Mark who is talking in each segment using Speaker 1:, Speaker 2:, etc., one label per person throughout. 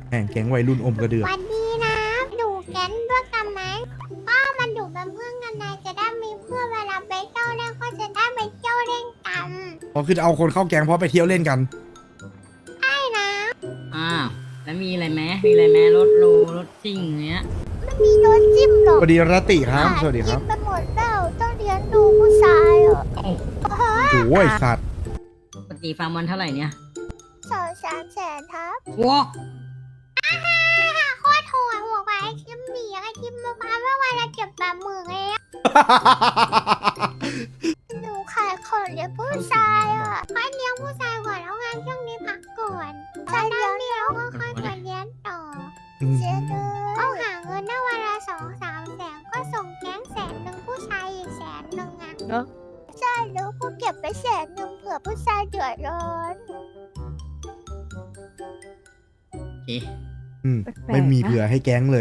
Speaker 1: แม่งแก๊งวัยรุ่นอมกระเดือก
Speaker 2: วันดีนะดูแก๊งด้วยกันไหมก็มันดูเป็นเพื่อนกันนายจะได้มีเพื่อนเวลาไปเที่ยวเล่นก็จะได้ไปเที่ยวเล่นกัน
Speaker 1: พอคือเอาคนเข้าแก๊งเพราะไปเที่ยวเล่นกัน
Speaker 2: ใช่นะ
Speaker 3: อ้าวแล้วมีอะไรไหมมีอะไรไหมรถโลรถซิ่งเนี้ย
Speaker 2: ไม่มีรถจิ้มหรอก
Speaker 1: สวัสดีรติครับ สวัสดีครับ
Speaker 2: จิ้มไปหมดแล้วต้องเลี้ยงดูผู้ชายอ่ะ
Speaker 1: โอ้ยสัตว์
Speaker 3: ปกติฟาร์มวันเท่าไหร่เนี่ย
Speaker 2: 2-3 แสนครับ
Speaker 3: ว้า
Speaker 2: โคตรโหดหัวไปไอทิมหนีไอทิมมาพาว่าวันละเก็บ80,000เองหนูขายของเลี้ยงผู้ชายอ่ะค่อยเลี้ยงผู้ชายก่อนแล้วงานช่วงนี้พักก่อนจะได้เลี้ยงก็ค่อยมาเลี้ยงต่อเจ๊เลยต้องหาเงินได้วันละ2-3 แสนก็ส่งแก๊ง100,000ผู้ชายอีก100,000อ่ะเนาะใช่แล้วกูเก็บไป100,000เผื่อผู้ชายเดือดร้อน
Speaker 3: โอเค
Speaker 1: ไม่มีเผื่อให้แก๊งเลย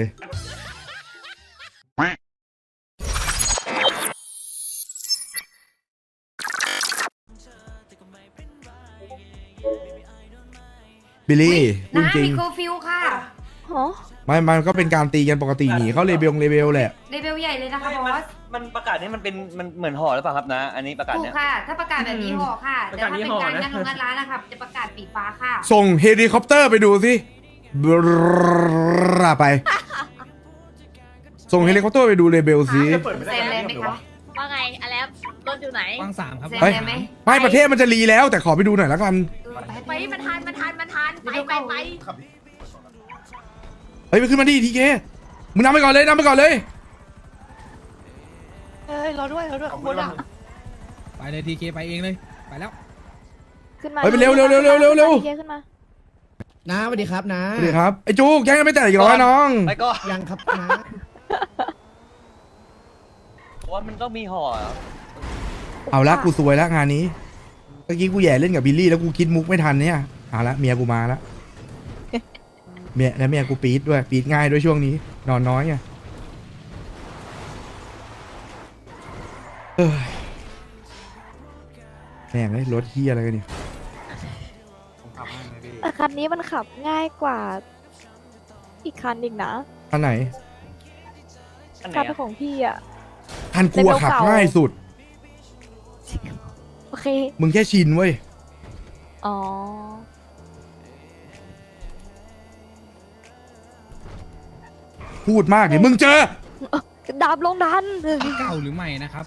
Speaker 1: บิลลี่พูดจริง
Speaker 4: โคฟิลค่ะ
Speaker 1: มันก็เป็นการตีกันปกติหนีเขาเลเบลแหละ
Speaker 4: เลเวลใหญ่เลยนะคะบอส
Speaker 5: มันประกาศนี้มันเป็นมันเหมือนห่อหรือเปล่าครับนะ อันนี้ประกาศ
Speaker 4: ถูก
Speaker 5: เนี่ย
Speaker 4: ค่ะ ถ้าประกาศแบบนี้ห่อค่ะแต่ถ้าเป็นการยัดลงงัดร้านนะคะจะประกาศปีกฟ้าค่ะ
Speaker 1: ส่งเฮลิคอปเตอร์ไปดูสิบราไป ส่งเฮลิคอปเตอร์ไปดูเลเบลสิ
Speaker 4: เซ็นเลยไหมคะ
Speaker 6: ว่าไงอเล็บรถอยู่ไหน
Speaker 7: วางสามครับ
Speaker 4: เซ็น
Speaker 1: เฮ้ย
Speaker 4: เลยไหม
Speaker 1: ไม่ประเทศมันจะรีแล้วแต่ขอไปดูหน่อยแล้วกัน
Speaker 6: ไปมันทันไป
Speaker 1: เฮ้ยไปขึ้นมาดิทีเคมึงนำไปก่อนเลยนำไปก่อนเลย
Speaker 6: เฮ้ยรอด้วยขบวนอ่ะ
Speaker 7: ไปเลยทีเคไปเองเลย ไปแล้ว
Speaker 8: ขึ้นมา
Speaker 1: เฮ้ยไปเร็วขึ้นมา
Speaker 9: น้าสวัสดีครับน้า
Speaker 1: สวัสดีครับไอ้จูแก๊งยังไม่แตกอีกเหรอน้อง
Speaker 5: ไปก็
Speaker 9: ยังครับน้า
Speaker 5: ว่ามันต้องมีห่อเหรอ
Speaker 1: เอาละกูซวยแล้วงานนี้เมื่อกี้กูแย่เล่นกับบิลลี่แล้วกูคิดมุกไม่ทันเนี่ยเอาละเมียกูมาแล้วเมียกูปี๊ดด้วยปี๊ดง่ายด้วยช่วงนี้ นอนน้อยไงเอ้ยแม่งเลยรถเฮียอะไรกันเนี่ย
Speaker 8: แต่คันนี้มันขับง่ายกว่า อีกคันอีกนะ
Speaker 1: คันไหน
Speaker 5: อันไหน
Speaker 8: คัน
Speaker 5: อะ
Speaker 8: ของพี่อ่ะ
Speaker 1: คันกูอะขับง่ายสุด
Speaker 8: โอเค
Speaker 1: มึงแค่ชินเว้ย
Speaker 8: อ๋อ
Speaker 1: พูดมากเดี๋ยวมึงเจอ
Speaker 8: ดาบลงดัน
Speaker 7: เก่าหรือใหม่นะครับ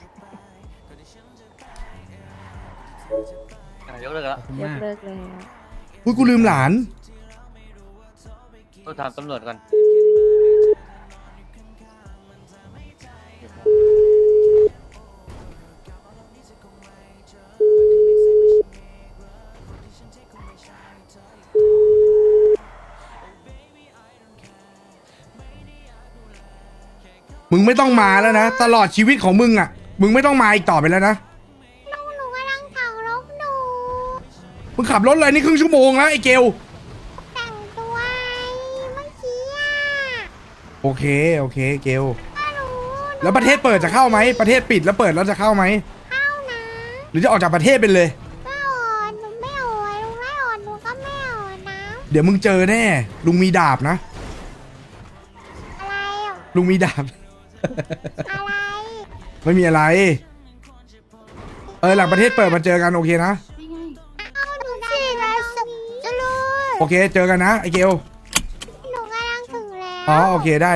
Speaker 5: ยกเลิกแล้ว
Speaker 7: ขอบคุณ
Speaker 8: ยก
Speaker 7: มาก
Speaker 8: เลิกแล้ว
Speaker 1: พูดกูลืมหลาน
Speaker 5: ต้องถามตำรวจก่อน
Speaker 1: มึงไม่ต้องมาแล้วนะ ตลอดชีวิตของมึงอ่ะ มึงไม่ต้องมาอีกต่อไปแล้วนะ
Speaker 2: หนูกำลังขับรถหนู
Speaker 1: มึงขับรถอะไรนี่ครึ่งชั่วโมงแล้วไอ้เกล
Speaker 2: แต่งตัวเมื่อกี้อ่ะ
Speaker 1: โอเคเกล
Speaker 2: ก็รู้
Speaker 1: แล้วประเทศเปิดจะเข้าไหมประเทศปิดแล้วเปิดแล้วจะเข้าไหม
Speaker 2: เข้านะ
Speaker 1: หรือจะออกจากประเทศไปเลย
Speaker 2: ไม่อ่อนหนูไม่อ่อนลุงไม่อ่อนหนูก็ไม่อ่อนนะ
Speaker 1: เดี๋ยวมึงเจอแน่ ลุงมีดาบนะ
Speaker 2: อะไรอ่ะ
Speaker 1: ลุงมีดาบ
Speaker 2: อะไร
Speaker 1: ไม่มีอะไร หลังประเทศเปิดมาเจอกันโอเคนะ
Speaker 2: เอาหนูสินะจะรู้
Speaker 1: โอเค เจอกันนะไอ้เกล
Speaker 2: หนูกำลังถึงแล้ว
Speaker 1: อ๋อโอเคได้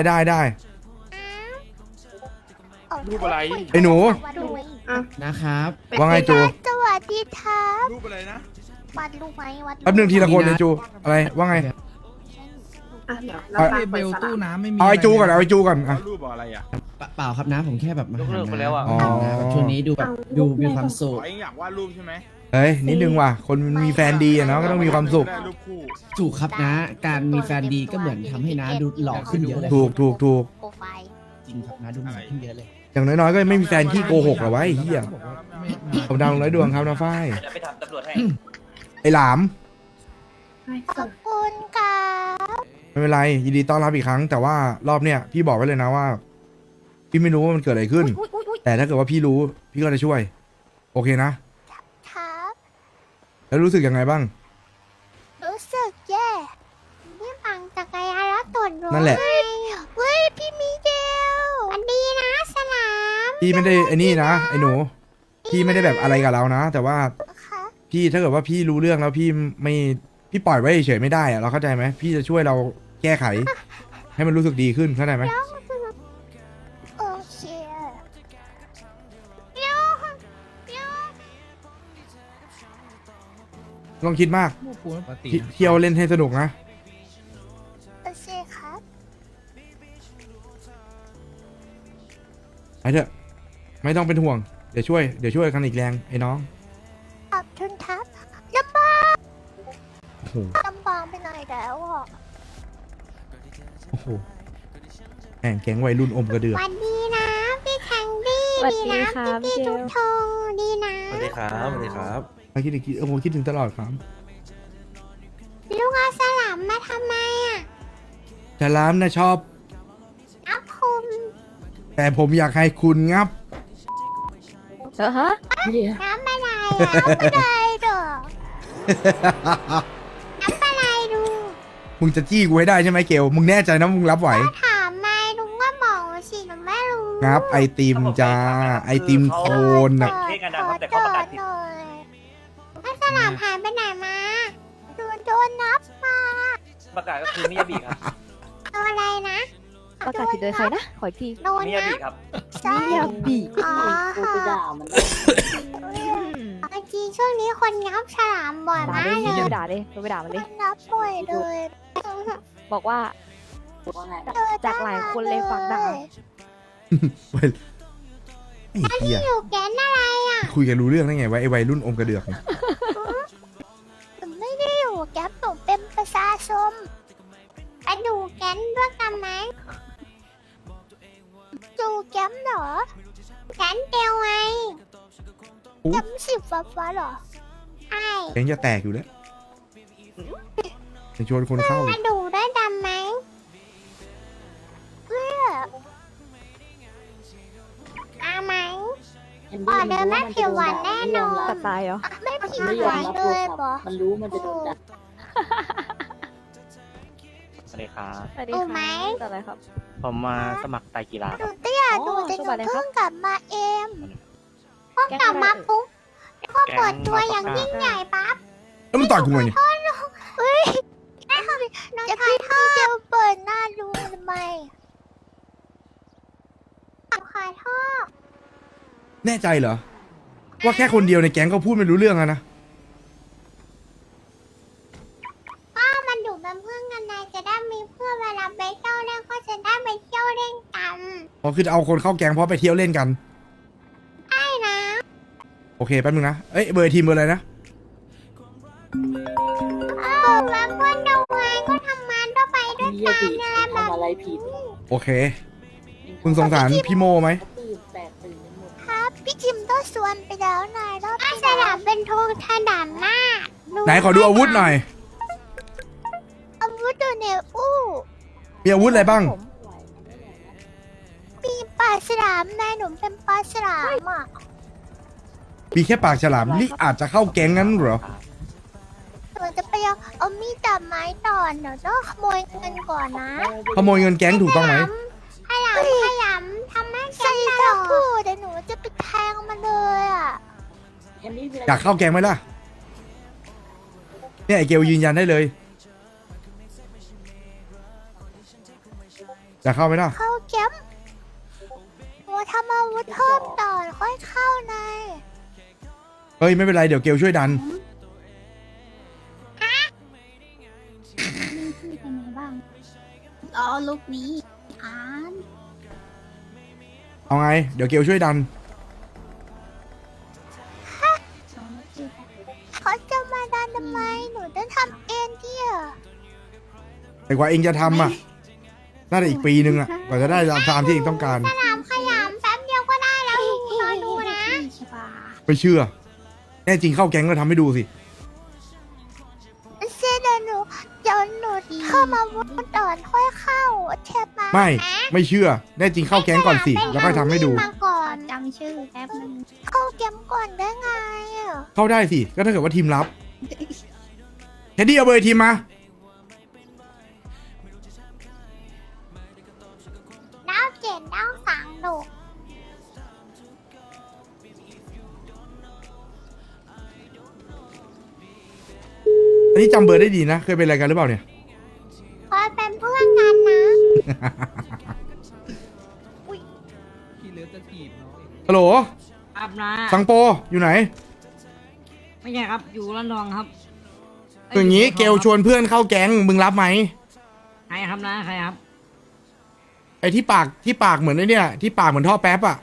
Speaker 2: รูปอะไร
Speaker 1: ไอ้หนู
Speaker 9: นะครับ
Speaker 1: ว่าไงจู
Speaker 2: สวัสดีครับ
Speaker 10: รูปอะไรนะ
Speaker 2: วัดรูปไหมวัด
Speaker 1: แป๊บหนึงทีละคนไอ้จู อะไรว่าไง เอา
Speaker 7: เลเบลตู้น้ำไม่มี
Speaker 1: เอาไอ้จูก่อนเอาไอ้จูก่อนอ่ะ
Speaker 10: รูปอะไรอ่ะ
Speaker 9: เปล่าครับนะผมแค่แบบมาหาย
Speaker 5: กเลิกไปแล้วอะ
Speaker 1: อ๋อ
Speaker 9: นะแบบช่วงนี้ดูแบบดูมีความสุข
Speaker 10: อ๋อเองอยากวาดรูปใช่ไหม
Speaker 1: เฮ้ยนิดนึงว่ะคนมันมีแฟนดีอะเนาะก็ต้องมีความสุข
Speaker 10: ได้รูปคู่
Speaker 9: ถูกครับนะ การมีแฟนดีก็เหมือนทำให้น้าดูหล่อขึ้นเยอะเลย
Speaker 1: ถูก
Speaker 2: โปรไฟล์
Speaker 9: จริงครับนะดูหล่อขึ้นเยอะเลย
Speaker 1: อย่างน้อยๆก็ไม่มีแฟนขี้โกหกหรอวะไอ้เหี้ยผมดาวร้อยดวงครับน้าฝ้าย
Speaker 5: เดี๋ยวไปถามตำรวจให้
Speaker 1: ไอ้หลาม
Speaker 2: ขอบคุณครับ
Speaker 1: ไม่เป็นไรยินดีต้อนรับอีกครั้ง แต่ว่ารอบเนี้ยพี่บอกไว้เลยนะว่า พี่ไม่รู้ว่ามันเกิดอะไรขึ้น แต่ถ้าเกิดว่าพี่รู้พี่ก็จะช่วย โอเคนะ
Speaker 2: ครับ
Speaker 1: แล้วรู้สึกยังไงบ้าง
Speaker 2: รู้สึกแย่นี่ปั่นจักร
Speaker 1: นั่นแหละ
Speaker 2: เฮ้ยพี่มิเกลอันดีนะสลาม
Speaker 1: พี่ไม่ได้ไอ้นี่นะไอ้หนูพี่ไม่ได้แบบอะไรกับเรานะ แต่ว่า
Speaker 2: ค่ะ
Speaker 1: พี่ถ้าเกิดว่าพี่รู้เรื่องแล้วพี่ไม่พี่ปล่อยไว้เฉยๆไม่ได้อะเราเข้าใจไหมพี่จะช่วยเราแก้ไข ให้มันรู้สึกดีขึ้นเข้าใจไหม
Speaker 2: โอเคโยโย
Speaker 1: ลองคิดมาก
Speaker 7: ปกติ
Speaker 1: เที่ยวเล่นให้สนุกนะ
Speaker 2: โอเคครับ
Speaker 1: ไปเถอะไม่ต้องเป็นห่วงเดี๋ยวช่วยกันอีกแรงไอ้น้อง
Speaker 2: ขอบคุณครับลำบาก
Speaker 1: โอ้โห
Speaker 2: ลำบากไปหน่อยแล้วอ่ะ
Speaker 1: โอ้โหแห่งแก๊งวัยรุ่นอมกระเดือก
Speaker 2: วันดีนะพี่แทงดี้
Speaker 8: สวัส
Speaker 2: ดี
Speaker 8: ดี
Speaker 2: นะ
Speaker 8: ค่ะ
Speaker 2: พี่
Speaker 8: พี่เก
Speaker 2: ทุ
Speaker 8: ล
Speaker 2: กทงดีนะ
Speaker 5: สวัสดีครับสวัสดีครับ
Speaker 1: มาคิดอีกทีโอ้โหคิดถึงตลอดครับ
Speaker 2: ลูกเอาสลัมมาทำไมอ่ะ
Speaker 1: แต่ร้านนะชอบ
Speaker 2: อัพคุม
Speaker 1: แต่ผมอยากให้คุณงับ
Speaker 8: ฮะ
Speaker 2: น้ำอะไรอ่ะน้ำอะไรเด้อน้ำอะไรดู
Speaker 1: มึงจะจี้กูให้ได้ใช่ไหมเกลมึงแน่ใจนะมึงรับไหว
Speaker 2: ถามไม่ลุงก็บอกสิหนูไม่รู้
Speaker 1: งับไอติมจ้าไอติมโคนน่ะ
Speaker 5: เท่กันนะครับแต่เขาประกาศผิด
Speaker 2: หน่อยถ้าสลัมหายไปไหนมาโดนนับมา
Speaker 5: ประกาศก็คือมิยาบิครับ
Speaker 2: โดนอะไรนะ
Speaker 8: ประกาศผิดโดยใครนะ ขออีกที
Speaker 2: โดน
Speaker 5: มิยา
Speaker 2: นั
Speaker 5: บิ
Speaker 2: บ
Speaker 5: ครับ
Speaker 2: ใช่
Speaker 8: มิยาบิ
Speaker 2: อ๋อค่ะจริงช่วงนี้คนงับฉลามบ่อย
Speaker 8: ด่าม
Speaker 2: าก
Speaker 8: เลย
Speaker 2: เล
Speaker 8: พี่
Speaker 2: ย
Speaker 8: เกลด่าเลยโทรไปด่ามันเลย
Speaker 2: นับบ่อยเลย
Speaker 8: บอกว่า จากหลายคนเลยฟังด่า
Speaker 1: ไอ้เหี้ย
Speaker 2: อยู่แก๊นอะไรอ่ะ
Speaker 1: คุยกันรู้เรื่องได้ไงวะไอวัยรุ่นอมกระเดือกเนี่ย
Speaker 2: หนูไม่ได้อยู่แก๊นหนูเป็นประชาชนไปดูแก๊นด้วยกันไหมดูแก๊นเหรอแก๊นเดียวไงแก๊นสิบฟ้าเหรอใช่
Speaker 1: แกงจะแตกอยู่แล้วจะชวนคนเข้าอี
Speaker 2: มาก ดูได้ดำไหมเพื่ออาไหมอ๋อเดินไม่ผิวหวานแน่นอน
Speaker 8: ตัดตายเหรอ
Speaker 2: ไม่ผิวหวานเลยบอมันรู้มันจะโดนดัก
Speaker 5: สวัสดีครับ
Speaker 8: สวัสดี
Speaker 2: โอ้ไหม
Speaker 8: ค่ะตัดอะไรครับ
Speaker 5: ผมมาสมัครไตรกีฬา
Speaker 2: ห
Speaker 5: ค
Speaker 2: นู
Speaker 5: รับ
Speaker 2: เตี้ยดูแต่หนูเพิ่งกลับมาเองเพิ่ง
Speaker 8: แก๊ง
Speaker 2: กลับมา
Speaker 8: อะไร
Speaker 2: ปุ๊บก็เปิดตัวอย่างยิ่งใหญ่ปั๊บ
Speaker 1: แล้วมึงต่อยกูไงเนี่ย
Speaker 2: เฮ้ยน้องชายพ่อจะเปิดหน้าดูทำไมขอโทษ
Speaker 1: แน่ใจเหรอว่าแค่คนเดียวในแก๊งก็พูดไม่รู้เรื่องอะนะ
Speaker 2: ป้ามันอยู่เป็นเพื่อนกันนายจะได้มีเพื่อนเวลาไปเที่ยวเล่นก็จะได้ไปเที่ยวเล่นกัน
Speaker 1: พอคือเอาคนเข้าแก๊งเพราะไปเที่ยวเล่นกัน
Speaker 2: ใช่นะ
Speaker 1: โอเคแป๊บนึงนะเอ้ยเบอร์ทีมเบอร์อะไรนะ
Speaker 2: แล้วเพื่อนดูไงก็ทำงานก็ไปด้วยกันอะไรแบบนี้
Speaker 1: โอเคมึงสงสารพี่โมไหม
Speaker 2: ครับพี่จิมต้องสวนไปแล้วนายรอบที่สนามเป็นโทงถนามหน้า
Speaker 1: ไหนขอดูอาวุธหน่อย
Speaker 2: อาวุธอยู่ในอู้
Speaker 1: มีอาวุธอะไรบ้าง
Speaker 8: ผม
Speaker 2: มีปลาฉลามนายหนูเป็นปลาฉลามอ่ะ
Speaker 1: มีแค่ปากฉลามนี่อาจจะเข้าแก๊งงั้นเหรอ
Speaker 2: หนูจะไปเอามีดตัดไม้ต่อเดี๋ยวต้องขโมยเงินก่อนนะ
Speaker 1: ขโมยเงินแก๊งถูกต้องไหม
Speaker 2: ขยำทำให้แกงตะพูเดี๋ยวหนูจะไปแทงมันเลยอ่ะ
Speaker 1: อยากเข้าแก๊งไหมล่ะเนี่ยไอเกลยืนยันได้เลยอยากเข้าไหมล่ะ
Speaker 2: เข้าแก๊มหนูทำอาวุธเพิ่มต่อค่อยเข้าใน
Speaker 1: เฮ้ยไม่เป็นไรเดี๋ยวเกลช่วยดัน
Speaker 2: อ๋อลูกนี้อ่าน
Speaker 1: เอาไงเดี๋ยวเกลช่วยดัน
Speaker 2: เขาจะมาดันทำไมหนูจะทำเองเดีย
Speaker 1: แต่กว่าเองจะทำอ่ะน่าจะอีกปีนึงอ่ะกว่าจะได้ตามที่เองต้องการ
Speaker 2: สนามขยำแป๊บเดียวก็ได้แล้วหนูรอดูนะ
Speaker 1: ไม่เชื่อ แน่จริงเข้าแก๊งก็ทำให้ดูสิ
Speaker 2: เดี๋ยวหนูเข้ามาวุ้นก่อนค่อยเข้าเทปมา
Speaker 1: ไม่เชื่อ แน่จริงเข้าแก๊งก่อนสิแล้วค่อยทำให้ดู
Speaker 2: มาก่อนจำชื่อแป๊บนึงเข้าแก๊งก่อนได้ไงอ่ะ
Speaker 1: เข้าได้สิก็ถ้าเกิดว่าทีมรับแคดดี้เอาเบอร์ทีมมา
Speaker 2: ห็นนั่งฝังหนู
Speaker 1: อันนี้จำเบอร์ได้ดีนะ เคยเป็นอะไรกันหรือเปล่าเนี่ย
Speaker 2: เคยเป็นเพื่อนกันนะ
Speaker 7: พี่เลือจะถีบน้องอีก
Speaker 1: ฮัลโหล
Speaker 3: ครับนะ
Speaker 1: สังโปอยู่ไหน
Speaker 3: ไม่ใช่ครับอยู่ร้านทองครับ
Speaker 1: อย่างนี้เกลชวนเพื่อนเข้าแก๊งมึงรับไหม
Speaker 3: ใครครับนะใครครับ
Speaker 1: ไอ้ที่ปากเหมือนไอ้เนี่ยที่ปากเหมือนท่อแป๊บอะ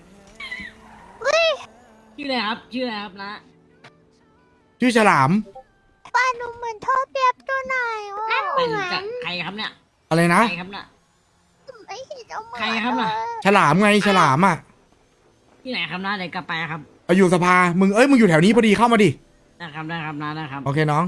Speaker 3: ชื่ออะไรครับชื่ออะไรครับนะ
Speaker 1: ชื่อฉลาม
Speaker 2: ป้าหนูเหมือนท่อเปียบตัวไหนวะ
Speaker 3: ไม่รู้จักใครครับเนี่ย
Speaker 1: อะไรนะ
Speaker 3: ใครครับน่ะ
Speaker 2: ไม่เห็นเอาเหมือน
Speaker 3: ใครครับน่ะ
Speaker 1: ฉลามไงฉลามอะ
Speaker 3: ที่ไหนครับนะเดี๋ยวกลับไปครับ
Speaker 1: เอาอยู่สภามึงมึงอยู่แถวนี้พอดีเข้ามาดิ
Speaker 3: นะครับได้ครับนะนะครับ
Speaker 1: โอเคน้อง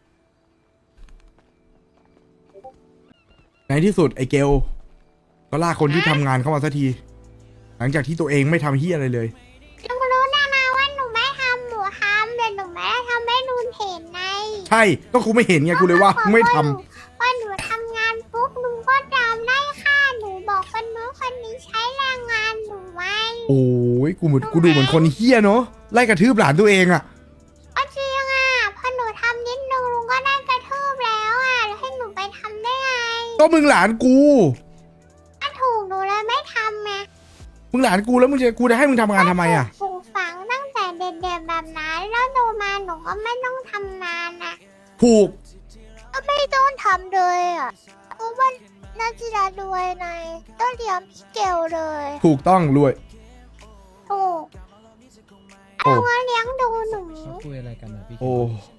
Speaker 1: ในที่สุดไอ้เกลก็ลากคนที่ทำงานเข้ามาสักที หลังจากที่ตัวเองไม่ทำเฮียอะไรเลย
Speaker 2: ลุงรู้นะว่าหนูไม่ทำหนูทำแต่หนูไม่ได้ทำให้ลุงเห็นไง
Speaker 1: ใช่ก็กูไม่เห็นไงกูเลยว่ามึงไม่ทำ
Speaker 2: พอหนูทำงานปุ๊บลุงก็จำได้ค่าหนูบอกคนนู้นคนนี้ใช้แรงงานหนูไว้
Speaker 1: โอ้ยกูดูเหมือนคนเฮี้ยเนาะไล่กระทืบหลานตัวเองอะ
Speaker 2: ก็จริงอ่ะพอหนูทำนิดนึงลุงก็ได้กระทืบแล้วอ่ะแล้วให้หนูไปทำได้ไง
Speaker 1: ก็มึงหลานกู
Speaker 2: ถ้าถูกหนูเลยไม่ทำไง
Speaker 1: มึงหลานกูแล้วกูจะให้มึงทำงานทำไมอะ
Speaker 2: ปลูกฝังตั้งแต่เด็กๆแบบนั้นแล้วโตมาหนูก็ไม่ต้องทำงานอ่ะ
Speaker 1: ถูก
Speaker 2: ก็ไม่ต้องทำเลยอ่ะเพราะว่านาจิรารวยไงต้องเลี้ยงพี่เกลเลย
Speaker 1: ถูกต้องรวย
Speaker 2: ถูก
Speaker 1: โอ้
Speaker 2: เอามาเลี้ยงดูหนู
Speaker 7: เขาคุยอะไรกันนะพี่
Speaker 1: โอ้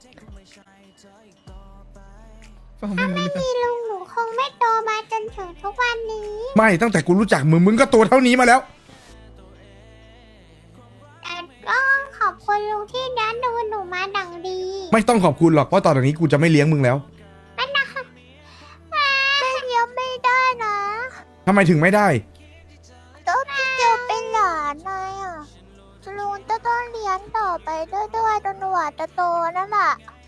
Speaker 7: ฟังไม่รู้เรื่อง
Speaker 2: พี่ลุงหนูคงไม่โตมาจนถึงทุกวันนี้
Speaker 1: ไม่ตั้งแต่กูรู้จักมึงก็ตัวเท่านี้มาแล้ว
Speaker 2: แต่ก็ขอบคุณลุงที่เลี้ยงดูหนูมาดังดี
Speaker 1: ไม่ต้องขอบคุณหรอกเพราะตอนนี้กูจะไม่เลี้ยงมึงแล้ว
Speaker 2: ไม่นะคะไม่เลี้ยงไม่ได้นะ
Speaker 1: ทำไมถึงไม่ได้
Speaker 2: ก็พี่เกลเป็นหลานนายอ่ะลุงจะต้องเลี้ยงต่อไปเรื่อยๆจนกว่าจะโตนั่นแหละ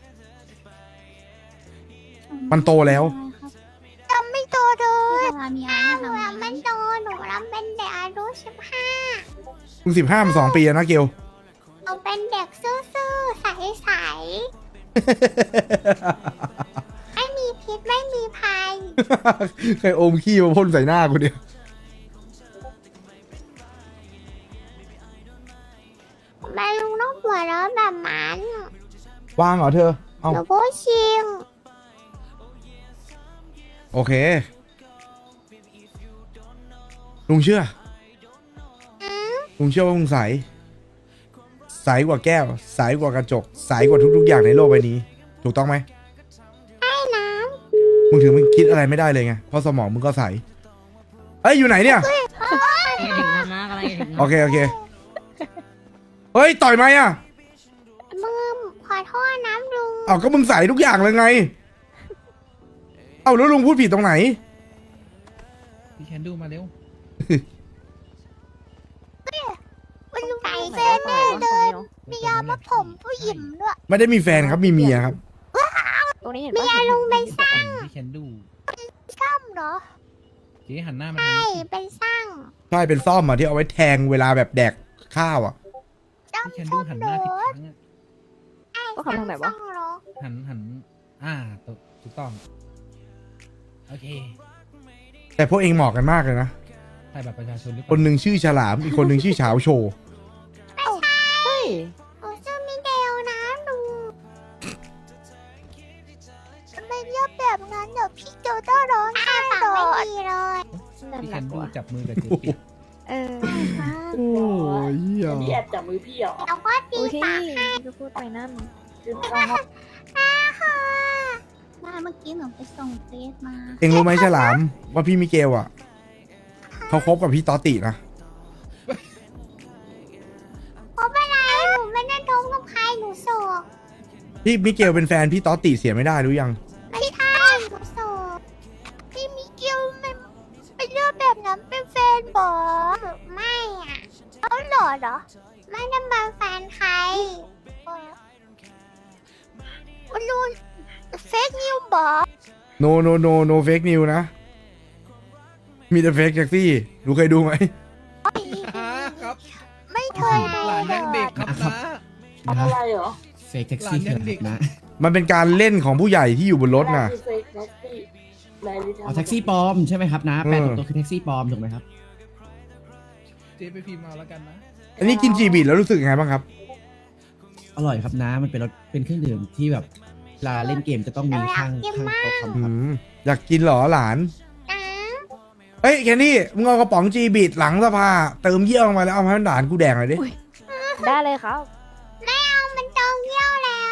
Speaker 1: มันโตแล้ว
Speaker 2: จำไม่โตเลยถ้าหนูยังไม่โตหนูรับเป็นเด็กอายุ15
Speaker 1: มึง15มัน2 ปีแล้วนะเกล
Speaker 2: หนูเป็นเด็กซื่อๆใสๆไม่มีพิษไม่มีภัย
Speaker 1: เคยอมขี้มาพ่นใส่หน้ากูเนี่ย
Speaker 2: แม่ลุงต้องหัวเราะแบบนั้น
Speaker 1: วางเหรอเธอ เอา
Speaker 2: หนูพูดจริง
Speaker 1: โอเค ลุงเชื่อ ลุงเชื่อว่ามึงใสกว่าแก้ว ใสกว่ากระจก ใสกว่าทุกๆอย่างในโลกใบนี้ ถูกต้องไหม
Speaker 2: ไอ้น้
Speaker 1: มึงถึงมึงคิดอะไรไม่ได้เลยไง เพราะสมองมึงก็ใส เอ้ย อยู่ไหนเนี่ย
Speaker 3: กำลังจะถึงแล้วนะกำลังจะถึง
Speaker 1: โอเค โอเค เฮ้ย ต่อยไหมอ่ะ
Speaker 2: ำมือขอโทษนะลุง
Speaker 1: เอาก็มึงใสทุกอย่างเลยไง เอาแล้วลุงพูดผิดตรงไหน
Speaker 7: พี่แคนดูมาเร็ว
Speaker 2: มันลุงมีแฟนแน่เลยมียามาผมผู้หญิงด้วย
Speaker 1: ไม่ได้มีแฟนครับ มีเมียครับ
Speaker 8: ตรงนี้เห็น
Speaker 2: มี
Speaker 8: ปะ
Speaker 2: ยาลุงเป็นสร้าง
Speaker 7: พี่แคนดู
Speaker 2: ซ่อมเหรอ
Speaker 7: เจ๊หันหน้ามาทาง
Speaker 2: ใช่
Speaker 7: นี้
Speaker 2: เป็นสร้าง
Speaker 1: ใช่ เป็นซ่อมอ่ะที่เอาไว้แทงเวลาแบบแดกข้าวอ่ะ
Speaker 2: ซ่อม
Speaker 7: พี่แคน
Speaker 2: ซ่
Speaker 7: ดู
Speaker 2: อม
Speaker 7: หันห
Speaker 2: ร
Speaker 7: น้าผิด
Speaker 2: ถ
Speaker 7: ครั้งอะ
Speaker 8: ก็ขับทางไหนวะ
Speaker 2: ซ่อมรถ
Speaker 7: หันถูกต้อง โอเค
Speaker 1: แต่พวกเองเหมาะกันมากเลยนะ
Speaker 7: ถ่ายบัตรประชาชนหรือเป
Speaker 1: คน
Speaker 7: ล่า
Speaker 1: หนึ่งชื่อฉลาม อีกคนหนึ่งชื่อเฉาโชว์
Speaker 8: เฮ้ย
Speaker 2: หนูชื่อมิเดลนะลุงทำไมเรียกแบบนั้นเดี๋ยวพี่โจต้องร้องไห้ต่อไม่ดีเลย
Speaker 8: นั่น
Speaker 7: พี่
Speaker 8: ห
Speaker 7: แค
Speaker 8: นัก
Speaker 7: น
Speaker 8: ก
Speaker 7: ดู
Speaker 8: ว่า
Speaker 7: จับมือกับเจ๊เปียก
Speaker 8: เออ
Speaker 1: โอ้ย
Speaker 3: แอบจับมือพี่เหรอ
Speaker 2: แล้วก็ตี
Speaker 8: อุ้ย
Speaker 2: ปากให้
Speaker 8: จะพูดไปนั่น
Speaker 2: ค่ะมาเมื่อกี้หนูไปส่งเฟซมา
Speaker 1: เองรู้ไหมฉลาม ว่าพี่มิเกลอ่ะ เขาคบกับพี่ตอตินะ
Speaker 2: เพราะอะไรหนูไม่ได้ท้องกับใครหนูโสด
Speaker 1: พี่มิเกลเป็นแฟนพี่ตอติเสียไม่ได้รู้ยัง
Speaker 2: ไม่ใช่หนูโสดพี่มิเกลมันเป็นเรื่องแบบนั้นเป็นแฟนบอไม่อ่ะเขาหล่อเหรอ ไม่ได้มาแฟนใครมันรู้เฟกนิวบอ
Speaker 1: no fake news นะมีแต่เฟกแท็กซี่ดูเคยดูไหม
Speaker 7: ครับ
Speaker 2: ไม่เคยดู
Speaker 7: หลาน
Speaker 2: เล
Speaker 7: ยังเด็
Speaker 2: ย
Speaker 7: กครับ
Speaker 9: ครั
Speaker 7: นะ
Speaker 9: บ
Speaker 6: อะไรเหรอ
Speaker 9: เฟกแท็กซี่
Speaker 7: หลานยังเด็ก
Speaker 9: นะ
Speaker 1: มันเป็นการเล่นของผู้ใหญ่ที่อยู่บนรถน่ะ
Speaker 9: เอาแท็กซี่ปลอมใช่ไหมครับนะแปลตรงตัวคือแท็กซี่ปลอมถูกไหมครับ
Speaker 7: เจ๊ไปพิมพ์มาแล้วกันนะ
Speaker 1: อันนี้กินจีบีแล้วรู้สึกยังไงบ้างครับ
Speaker 9: อร่อยครับนะมันเป็นรสเป็นเครื่องดื่มที่แบบเวลาเล่นเกมจะต้องมีข้างโต๊ะคอม
Speaker 1: อื
Speaker 9: ครับ
Speaker 1: มอยากกินเหรอหลาน
Speaker 2: นะ
Speaker 1: เฮ้ยแคนดี้มึงเอากระป๋องจีบีหลังสภาเติมเยี่ยวลงมาแล้วเอามาให้หลานกูแดกหน่อยดิ
Speaker 8: ได้เลยครับ
Speaker 2: ไม่เอามันจองเยี่ยวแล้ว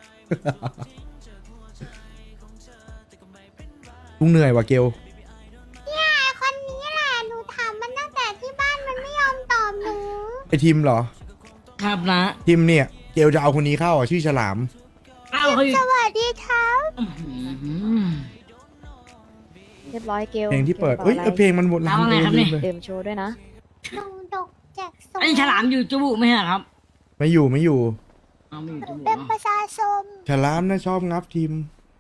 Speaker 1: ลุงเหนื่อยว่ะเกล
Speaker 2: เนี่ยไอคนนี้แหละหนูถามมันตั้งแต่ที่บ้านมันไม่ยอมตอบหนู
Speaker 1: ไอทิมเหรอ
Speaker 3: ครับนะ
Speaker 1: ทิมเนี่ยเกลจะเอาคนนี้เข้าอ่ะชื่อฉลาม
Speaker 3: เอ้าเขาอยู่
Speaker 2: สวัสดีครับ
Speaker 3: อื้อหือ
Speaker 8: เรียบร้อยเกล
Speaker 1: เพลงที่เปิด
Speaker 8: กล
Speaker 1: เอ้ย
Speaker 8: อะไร
Speaker 1: เพลงมันหมด
Speaker 3: เอาไงครับเนี่ย
Speaker 8: เต็มโชว์ด้วยนะ
Speaker 2: หนูดกแจกส
Speaker 3: อันนี้ฉลามอยู่จูบุไหมฮะครับ
Speaker 1: ไม่อยู่ไม่อยู่
Speaker 3: เอาไม่อยู่จูบุ
Speaker 2: เป็น
Speaker 3: เนาะ
Speaker 2: ประชาชน
Speaker 1: ฉลามนะชอบงับทิม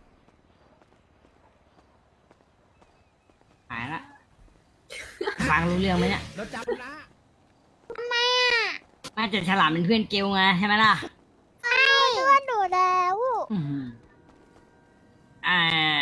Speaker 3: หายละฟังรู้เรื่องไหมเนี่ย
Speaker 7: รถจับนะ
Speaker 2: ทำไมอ่ะ
Speaker 3: น่าจะฉลามเป็นเพื่อนเกลไงใช่ไหมล่ะ
Speaker 2: ใช่เพื่อนหนูแล้ว
Speaker 3: อื้อหืออ่า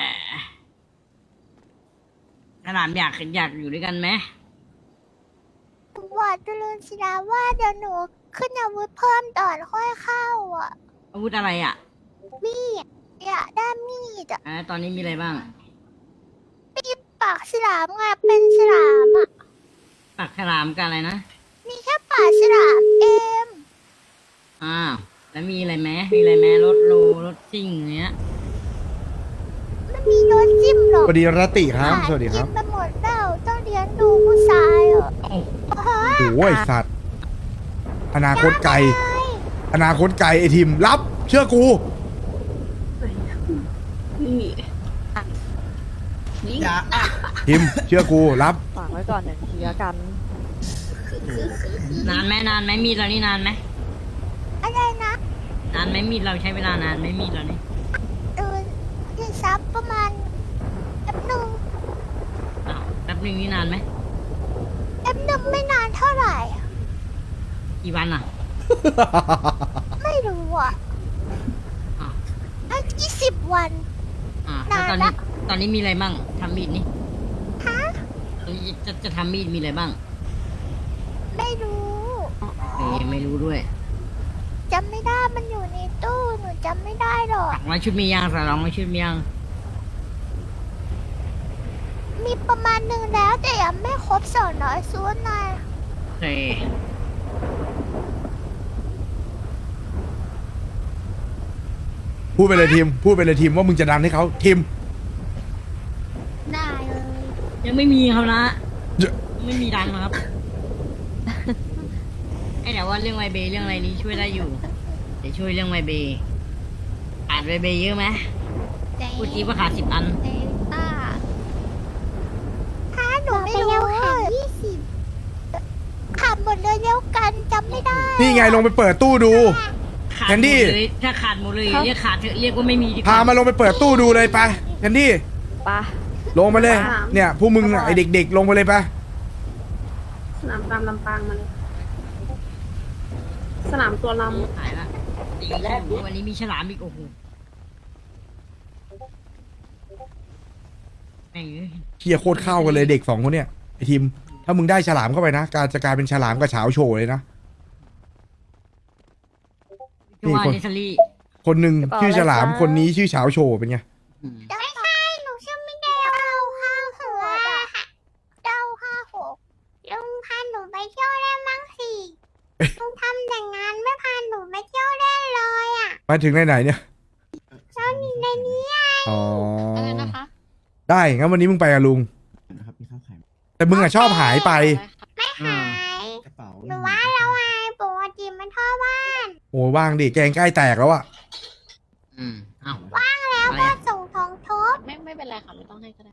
Speaker 3: ฉลามอยากอยู่ด้วยกันไหม
Speaker 2: หนูบอกจุลินศิลาว่าเดี๋ยวหนูขึ้นอาวุธเพิ่มตอนค่อยเข้าอ่ะ
Speaker 3: อาวุธอะไรอ่ะ
Speaker 2: มีดอยากได้มีดอ่ะ
Speaker 3: ตอนนี้มีอะไรบ้าง
Speaker 2: มีปากฉลามไงเป็นฉลามอ่ะ
Speaker 3: ปากฉลามกับอะไรนะ
Speaker 2: มีแค่ปากฉลามเอง
Speaker 3: อ้าวแล้วมีอะไรไหมมีอะไรไหมรถโลรถซิ่งอย่างเงี้ย
Speaker 2: ไม่มีรถจิ้มหรอก
Speaker 1: สวัสดีรตติครับ สวัสดีครับ
Speaker 2: กินไปหมดแล้วต้องเลี้ยงดูผู้ชายอ่ะ
Speaker 3: โอ้
Speaker 1: โอ้ยสัตว์ อนาคตไกล อนาคตไกลไอทิมรับ เชื่อกู
Speaker 9: อย่า
Speaker 1: ทิมเชื่อกูรับ
Speaker 8: ฝากไว้ก่อนหนึ่งทีละกัน
Speaker 3: นานไหมมีดเรานี่นานไหม
Speaker 2: อะไรนะ
Speaker 3: นานไหมมีดเราใช้เวลานานไหมมีดเรานี่
Speaker 2: ที่ซับประมาณแป๊บหนึ่ง
Speaker 3: อ้าวแป๊บนึงนี่นานไหม
Speaker 2: แป๊บหนึ่งไม่นานเท่าไหร่อะ
Speaker 3: กี่วันอ่ะ
Speaker 2: ไม่รู้อ่ะ
Speaker 3: อ้าว
Speaker 2: ถ้า20 วัน
Speaker 3: แล้วตอน
Speaker 2: นาน
Speaker 3: นี้
Speaker 2: ละ
Speaker 3: ตอนนี้มีอะไรบ้างทำมีดนี่
Speaker 2: ฮะ
Speaker 3: ตอนนี้จะทำมีดมีอะไรบ้าง
Speaker 2: ไม่รู้
Speaker 3: ไม่รู้ด้วย
Speaker 2: จำไม่ได้มันอยู่ในตู้หนูจำไม่ได้หรอก
Speaker 3: 200 ชุดมียัง200 ชุดมียัง
Speaker 2: มีประมาณหนึ่งแล้วแต่ยังไม่ครบ200ซูนย์นะ
Speaker 3: โอเค
Speaker 1: พูดไปเลยทีม พูดไปเลยทีมว่ามึงจะดันให้เขาทีม
Speaker 2: ได้เลย
Speaker 3: ยังไม่มีครับนะ
Speaker 1: เยอะ
Speaker 3: ไม่มีดังนะครับ ไอ้แต่ว่าเรื่องไวเบย์เรื่องอะไรนี้ช่วยได้อยู่เดี๋ยวช่วยเรื่องไวเบย์ขาดไวเบย์เยอะไหมพูดจีว่าขาด10 อัน
Speaker 2: ถ้าหนูไม่รู้20ขับหมดเลยเดียวกันจำไม่ได้
Speaker 1: นี่ไงลงไปเปิดตู้ดู
Speaker 3: ขาด
Speaker 1: แคนดี้
Speaker 3: หมดเลยถ้าขาดหมดเลยเรียกขาดเถอะเรียกว่าไม่มีดีก
Speaker 1: พา
Speaker 3: ว่า
Speaker 1: มาลงไปเปิดตู้ดูเลยไปแคนดี้
Speaker 8: ปะ
Speaker 1: ลงมาเลย เนี่ยพวกมึงน่ะไอเด็กๆ ลงไปเลยไป
Speaker 6: สนามตามลำปางมาเลย สนามตัวล
Speaker 3: หายละอีกวันนี้มีฉลามอีกโอ้โหแม่งเอ้ย
Speaker 1: เคียโคตรเข้ากันเลยเด็กสองคนเนี่ยไอทีม ถ้ามึงได้ฉลามเข้าไปนะการจะกลายเป็นฉลามกับเฉาโฉเลยนะ
Speaker 3: คือว่า
Speaker 1: คน
Speaker 3: เนสซารี่
Speaker 1: คนหนึ่งชื่อฉลามคนนี้ชื่อเฉาโฉเป็นไง
Speaker 2: ไม่ใช่หนูชื่อไม่ได้956อะ956ลุงพาหนูไปเที่ยวได้มั้งสิลุงทำแต่งานไม่พาหนูไปเที่ยวได้เลยอ่ะ
Speaker 1: มาถึงไหนๆเนี่ย
Speaker 2: แล้วนี่ในนี้ไง
Speaker 1: อ๋อ
Speaker 6: อะไรนะคะ
Speaker 1: ได้งั้นวันนี้มึงไปกับลุง
Speaker 9: นะครับมีข้าวไข่
Speaker 1: แต่มึงอะชอบหายไป
Speaker 2: ไม่หาย
Speaker 9: กระเป๋า
Speaker 2: หนูว่าเราไงปกติมันท่อบ้าน
Speaker 1: โอ้ว่างดิแกงใกล้แตกแล้วอะ
Speaker 3: เอ้า
Speaker 2: แล้ว
Speaker 3: อะไร
Speaker 2: ก็
Speaker 3: อะ
Speaker 2: ส่งทองทบ
Speaker 6: ไม่เป็นไรค่ะ ไม่ต้องให้ก็ได้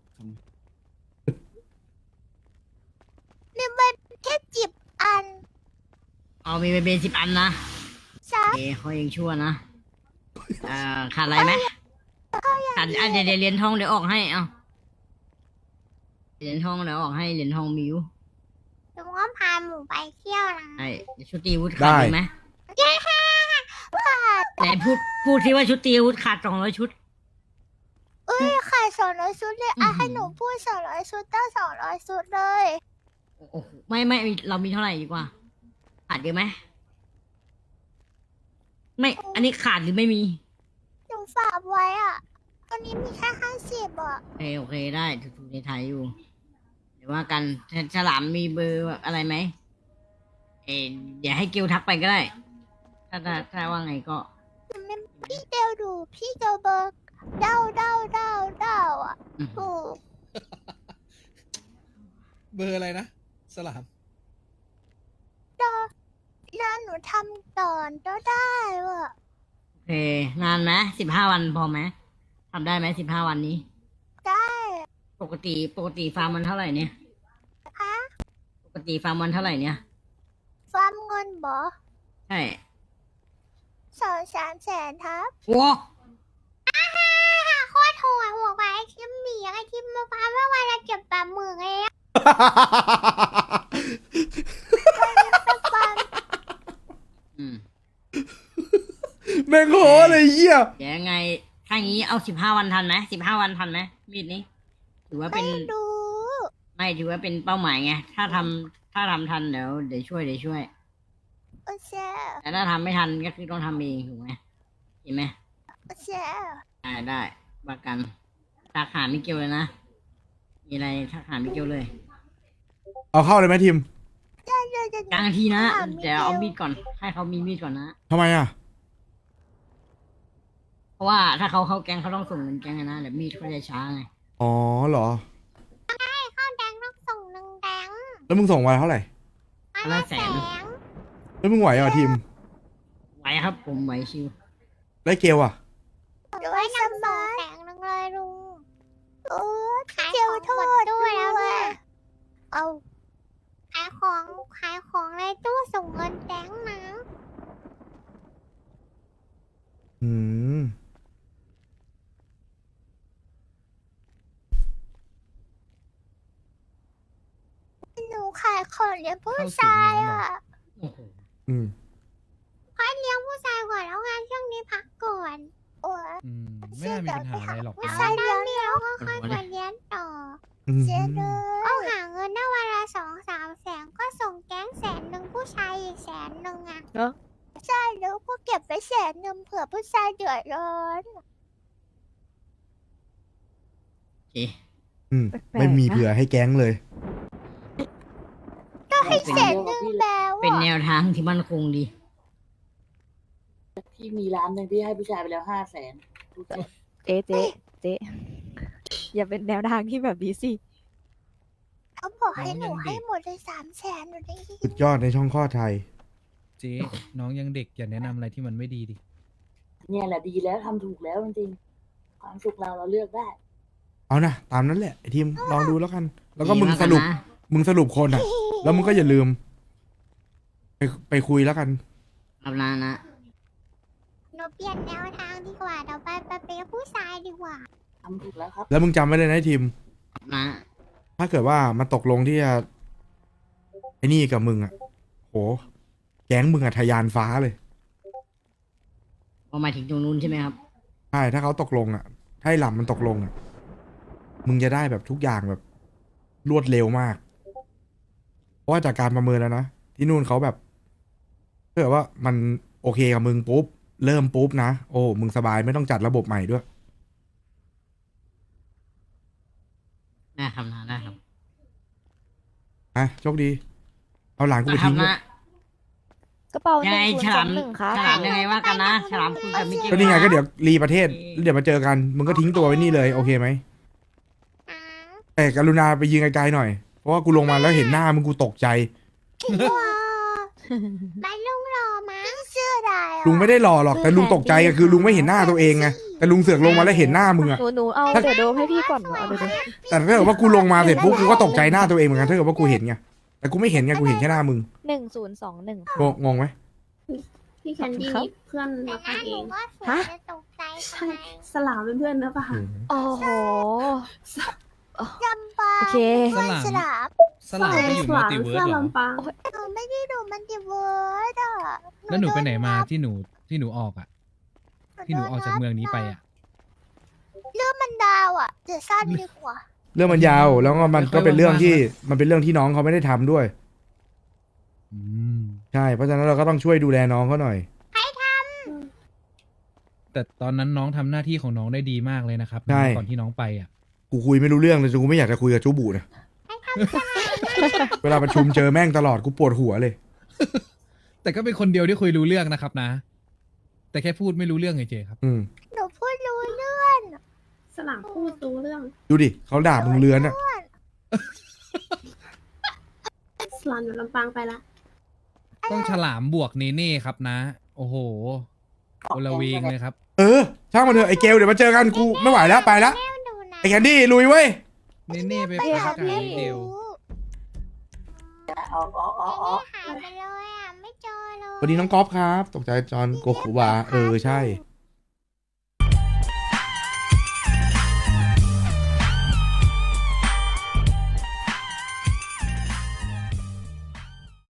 Speaker 2: นี่มันแค่จิบอัน
Speaker 3: เอามีเบย์10 อันนะ
Speaker 2: ซับ
Speaker 3: เขายังชั่วนะขาดอะไรไหมขาดเดี๋ยวเรียนทองเดี๋ยวออกให้เอาเหรียญทองแล้วออกให้เหรียญทองมิว
Speaker 2: ลุงก็พาหมูไปเที่ยวนะ
Speaker 3: ไอ้ชุดตีอาวุธขาดเลยไหม
Speaker 2: เย้ค่ะ
Speaker 3: ไหนพูดที่ว่าชุดตีอาวุธขาด200 ชุด
Speaker 2: เอ้ยขาย200 ชุดเลยให้หนูพูด200 ชุดตั้ง200 ชุดเลย
Speaker 3: โอ้โหไม่เรามีเท่าไหร่ดีกว่า ขาดเยอะไหมไม่ อันนี้ขาดหรือไม่มี
Speaker 2: หนูฝากไว้อ่ะตอนนี้มีแค่50อ่ะ
Speaker 3: โอเคได้ถูกในไทยอยู่ เดี๋ยวว่ากันฉลามมีเบอร์อะไรไหมเดี๋ยวให้เกลทักไปก็ได้ ถ้าว่าไงก็
Speaker 2: พี่เดวดูพี่เดวเบอร์เดาอ่ะ
Speaker 3: อืม
Speaker 2: ถูก
Speaker 7: เบอร์อะไรนะ สลาม
Speaker 2: แล้วหนูทำก่อนก็ได้ว่ะ
Speaker 3: โอเคนานไหม15 วันพอไหมทำได้ไหม15 วันนี้
Speaker 2: ได้
Speaker 3: ปกติฟาร์มมันเท่าไหร่เนี่ย
Speaker 2: คะ
Speaker 3: ปกติฟาร์มมันเท่าไหร่เนี่ย
Speaker 2: ฟาร์มเงินบอ
Speaker 3: ใช่
Speaker 2: 2-3 แสนครับ
Speaker 3: ว้า
Speaker 2: โคตรโหดหัวไปไอทิมหมีไอทิมมาฟาร์มว่าวันละเก็บ80,000เลยอะฟาร์ม
Speaker 3: อืม
Speaker 1: แม่งโหเลยเหี้ย
Speaker 3: เดี๋ยวยังไงถ้างี้เอา15 วันทันไหม15 วันทันไหมมีดนี้ ถือว่าเป็น
Speaker 2: ไม่รู้
Speaker 3: ไม่ถือว่าเป็นเป้าหมายไง ถ้าทำทันเดี๋ยวช่วย
Speaker 2: โอเค
Speaker 3: แต่ถ้าทำไม่ทันก็คือต้องทำเองถูกไหมเห็นไหม
Speaker 2: โอเค
Speaker 3: ได้ประกันทักหามิเกลเลยนะ มีอะไรทักหามิเกลเลย
Speaker 1: เอาเข้าเลยไหมทีม
Speaker 3: กลางทีนะเดี๋ยวเอามีดก่อน ให้เขามีมีดก่อนนะ
Speaker 1: ทำไมอ่ะ
Speaker 3: เพราะว่าถ้าเขาเข้าแก๊งเขาต้องส่งเงินแก๊งไงนะเดี๋ยวมีดเขาจะช้าไง
Speaker 1: อ๋อเหรอ
Speaker 2: ข้าวแดงต้องส่ง1 แดง
Speaker 1: แล้วมึงส่งมาเท่าไหร่
Speaker 2: อันละแสน
Speaker 1: แล้วมึงไหวเหรอทีม
Speaker 3: ไหวครับผมไหวชิว
Speaker 1: ได้เกลอ่ะ
Speaker 2: ด้วยน้ำ2 แสนเลยลุงโอ้ขายของหมดด้วยแล้วเนี่ยเอาขายของในตู้ส่งเงินแดงนะ
Speaker 1: อืม
Speaker 2: หนูขายของเลี้ยงผู้ชายอ่ะ
Speaker 3: โอ้โห
Speaker 1: อืม
Speaker 2: เลี้ยงผู้ชายก่อนแล้วงานช่วงนี้พักก่อนโอ้ย
Speaker 7: ไม่น่ามีปัญหาอะไรหรอก
Speaker 2: ผู้ชายเลี้ยงแล้วก็ค่อยมาเลี้ยงต่อ
Speaker 1: อืม
Speaker 2: เจ๊เลยเอาหาเงินได้วันละ2-3 แสนก็ส่งแก๊ง100,000ผู้ชายอีก100,000อ่ะ
Speaker 8: เนอะ
Speaker 2: ใช่แล้วก็เก็บไป100,000เผื่อผู้ชายเดือดร้อน
Speaker 3: โอเค
Speaker 1: อืม
Speaker 8: แปลกๆนะ
Speaker 1: ไม่มีเผื่อให้แก๊งเลย
Speaker 2: ก็ให้100,000แล้ว
Speaker 3: เป็น
Speaker 2: อ่ะ
Speaker 3: แนวทางที่มั่นคงดี
Speaker 6: พี่มีร้านหนึ่งพี่ให้ผู้ชายไปแล้ว500,000
Speaker 8: เจ๊อย่าเป็นแนวทางที่แบบนี้สิ
Speaker 2: เขาบอกให้หนูให้หมดเลย300,000หนูได้ยิน
Speaker 1: สุดยอดในช่องข้อไทย
Speaker 7: เจ๊น้องยังเด็กอย่าแนะนำอะไรที่มันไม่ดีดิ
Speaker 6: เนี่ยแหละดีแล้วทำถูกแล้วจริงๆความสุขเราเลือกได้
Speaker 1: เอานะตามนั้นแหละไอทีมลองดูแล้วกัน แล้วก็
Speaker 3: ดี
Speaker 1: มึง
Speaker 3: มาก
Speaker 1: สรุป
Speaker 3: นะ
Speaker 1: มึงสรุปคนอ่ะ แล้วมึงก็อย่าลืม ไปคุยแล้วกัน
Speaker 3: ครับนะ
Speaker 2: หนูเปลี่ยนแนวทางดีกว่าเดี๋ยวไปเป็นผู้ชายดีกว่า
Speaker 6: ทำถูกแล้วครับ
Speaker 1: แล้วมึงจำไว้เลยนะไอ้ทีม
Speaker 3: นะ
Speaker 1: ถ้าเกิดว่ามันตกลงที่จะไอ้นี่กับมึงอ่ะ โห แก๊งมึงอ่ะทะยานฟ้าเลย
Speaker 3: พอมาถึงตรงนู้นใช่ไหมครับ
Speaker 1: ใช่ ถ้าเขาตกลงอ่ะ ถ้าไอ้หล่ำมันตกลงอ่ะ มึงจะได้แบบทุกอย่างแบบรวดเร็วมาก เพราะว่าจากการประเมินแล้วนะ ที่นู่นเขาแบบถ้าเกิดว่ามันโอเคกับมึงปุ๊บ เริ่มปุ๊บนะ โอ้ มึงสบายไม่ต้องจัดระบบใหม่ด้วย
Speaker 3: ได้ครับนะได้ครับ
Speaker 1: อ่ะ โชคดี เอาหลานกูไป
Speaker 3: ครั
Speaker 1: ทิ้
Speaker 3: บ
Speaker 1: งด้วย
Speaker 3: นะ
Speaker 8: กระเป๋า
Speaker 3: ยังไงฉลาม
Speaker 8: 1021ครับ
Speaker 3: ฉลามยังไงว่ากันนะฉลามคุยกับมิกกี้
Speaker 1: ก็นี่ไงก็เดี๋ยวรีประเทศแล้วเดี๋ยวมาเจอกัน มึงก็ทิ้งตัวไว้นี่เลย โอเคไหม
Speaker 2: อ่า
Speaker 1: แต่กรุณาไปยืนไกลๆหน่อย เพราะว่ากูลงมาแล้วเห็นหน้ามึงกูตกใจ
Speaker 2: ว้าไปลุงรอมั้งเชื่อได้อะ
Speaker 1: ลุงไม่ได้หล่อหรอก แต่ลุงตกใจอะคือลุงไม่เห็นหน้าตัวเองไง แต่ลุงเสือกลงมาแล้วเห็นหน้ามึงอะ
Speaker 8: หนูเอาเดี๋ยวโดมให้พี่ก่อนหนูเอาเดี๋ยวโดม
Speaker 1: แต่ถ้าเกิดว่ากูลงมาเสร็จปุ๊บกูก็ตกใจหน้าตัวเองเหมือนกันถ้าเกิดว่ากูเห็นไง แต่กูไม่เห็นไง กูเห็นแค่หน้ามึง
Speaker 8: 1021
Speaker 1: งงไหม
Speaker 6: พี่แคนดี้มีเพื่อน
Speaker 2: แต่
Speaker 6: มา
Speaker 2: ห
Speaker 6: เอ
Speaker 2: นู
Speaker 6: ง
Speaker 2: ก็สวย
Speaker 8: ฮะ
Speaker 2: จะตกใจทำ
Speaker 6: ใช่
Speaker 2: ไม
Speaker 6: สลามเป็นเพื่อนนะปะคะ
Speaker 8: โอ้โห
Speaker 2: จำปา
Speaker 8: โอเค
Speaker 2: เพื่อนฉลาม
Speaker 7: สลามไปอยู่มัลติเวิร์สเหรอ
Speaker 2: หนูไม่ได้ดูมันดิเวิร์ดอ่ะ
Speaker 7: แล้วหนูไปไหนมาที่หนูออกอ่ะ ที่หนูออกจากเมืองนี้ไปอ่ะ
Speaker 2: เรื่องมันดาวอ่ะเดี๋ยวสั้นดีกว่า
Speaker 1: เรื่องมันยาวแล้วก็มันก็เป็นเรื่องที่มันเป็นเรื่องที่น้องเขาไม่ได้ทำด้วย
Speaker 7: อืม
Speaker 1: ใช่เพราะฉะนั้นเราก็ต้องช่วยดูแลน้องเขาหน่อย
Speaker 7: แต่ตอนนั้นน้องทำหน้าที่ของน้องได้ดีมากเลยนะครับ
Speaker 1: ใช่
Speaker 7: ก่อนที่น้องไปอ่ะ
Speaker 1: กูคุยไม่รู้เรื่องเลยกูไม่อยากจะคุยกับจูบูนะเวลาประชุมเจอแม่งตลอดกูปวดหัวเลย
Speaker 7: แต่ก็เป็นคนเดียวที่คุยรู้เรื่องนะครับนะ แต่แค่พูดไม่รู้เรื่องเฉยๆครับ
Speaker 1: อืม
Speaker 2: หนูพูดรู้เรื่อง
Speaker 8: สลามพูดรู้เรื่อง
Speaker 1: ดูดิเขาด่ามึงเลือนอ่ะ
Speaker 8: สลามอยู่ลำปางไปละ
Speaker 7: ต้องฉลามบวกเนเน่ครับนะ โอ้โหโอละเวงเลยครับ
Speaker 1: เออช่างมันเถอะไอ้เกลเดี๋ยวมาเจอกันกูไม่ไหวแล้วไปละ
Speaker 2: แม่ดูนะ
Speaker 1: ไอ้แคนดี้ลุยเว้ย
Speaker 7: เนเน่ไป
Speaker 8: ไป
Speaker 7: พัก
Speaker 8: ครับ
Speaker 7: กับ
Speaker 8: พี่
Speaker 7: เดว
Speaker 6: อ๋ออ๋ออ๋ออ๋อ
Speaker 2: หายไปเลยอ่ะไม่เจอเลย
Speaker 1: สวัสดีน้องก๊อฟครับ ตกใจจอนโกคุบาใช่